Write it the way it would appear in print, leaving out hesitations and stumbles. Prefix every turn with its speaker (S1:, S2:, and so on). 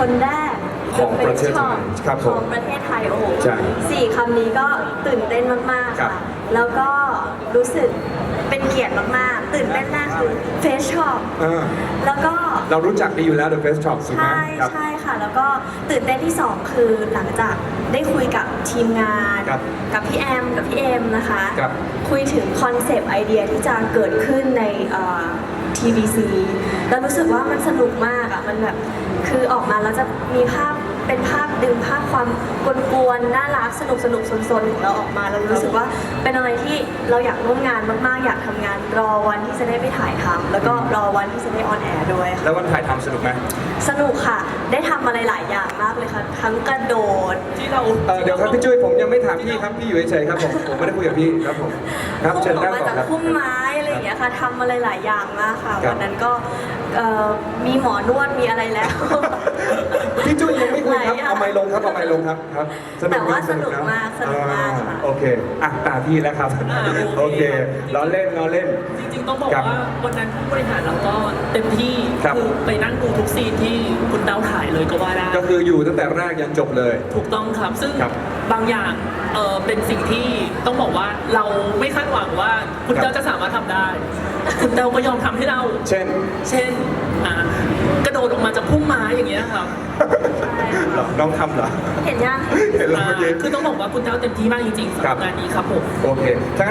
S1: คนแรก
S2: ของประเทศไทยครับผม
S1: ของประเทศไทยโอ้โห
S2: ใช่
S1: สี่คำนี้ก็ตื่นเต้นมากๆ
S2: ครั
S1: ค่ะ
S2: บ
S1: แล้วก็รู้สึกเป็นเกียรติมากๆ ตื่นเต้นมากคือเฟสช็อป แล้วก็
S2: เรารู้จักดีอยู่แล้ว The Face Shop ถูกไหม
S1: ใช่
S2: ครับ
S1: ใช่ค่ะ แล้วก็ตื่นเต้นที่ 2 คือหลังจากได้คุยกับทีมงาน
S2: ครับ
S1: กับพี่แอมกับพี่เอ็มนะคะ
S2: ครับ
S1: คุยถึงคอนเซปต์ไอเดียที่จะเกิดขึ้นใน TVC แล้วรู้สึกว่ามันสนุกมากอ่ะมันแบบคือออกมาแล้วจะมีภาพเป็นภาพดึงภาพความกวนๆน่ารักสนุกซนๆของเราออกมาแล้วรู้สึกว่าเป็นอะไรที่เราอยากร่วมงานมากๆอยากทำงานรอวันที่จะได้ไปถ่ายทำแล้วก็รอวันที่จะได้ออนแอร์ด้วยค่ะ
S2: แล้ววันถ่ายทำสนุกไหม
S1: สนุกค่ะ ได้ทำอะไรหลายอย่างมากเลยค่ะ ทั้งกระโดด
S3: ที่เรา
S2: เดี๋ยวครับพี่จุ้ยผมยังไม่ถามพี่ครับพี่อยู่เฉยๆครับผมไม่ได้คุยกับพี่ครับผมครับ
S1: พุ่
S2: เชิญ
S1: งออ
S2: นั่
S1: ก
S2: ง
S1: มา
S2: ก่อน
S1: จาก
S2: ครับ
S1: พุ่มไม้อะไรอย่างเงี้ยค่ะทำอะไรหลายอย่างมากค่ะ
S2: ครับ
S1: วันนั้นก็มีหมอนวดมีอะไรแล้ว
S2: พี่จุ้ยยังไม่คุยครับ
S1: หลายอย่าง
S2: เอาไมค์ลงครับเอาไมค์ลงครับครับ
S1: แต่ว่า
S2: ะ
S1: สนุกมากค่ะ
S2: โอเคอ่ะตาพี่แล้วครับโอเคล้อเล่นล้อเล่น
S3: จริงๆต้องบอก
S2: ครับ
S3: ว่าวันนั้นผู้บริหารเราก็เต็มที่
S2: ครับ
S3: คือไปนั่งดูทุกซีนที่คุณเต้าถ่ายเลยก็ว่าได้
S2: ก็คืออยู่ตั้งแต่แรกยันจบเลย
S3: ถูกต้องครับ ซึ่ง
S2: ครับ
S3: บางอย่างเป็นสิ่งที่ต้องบอกว่าเราไม่คาดหวังว่าคุณเต้าจะสามารถทำได้ คุณเต้าก็ยอมทำให้เรา
S2: เช่น
S3: เช่นกระโดดออกมาจากพุ่มไม้อย่างเงี้ยครับ
S2: เหรอน้องทำเหรอ
S1: เห็นยัง
S2: เห็นแล้วเมื่อกี้
S3: คือต้องบอกว่าคุณเต้าเต็มที่มากจริงๆสำห
S2: ครั
S3: รับบ งานนี้ครับผม
S2: โอเค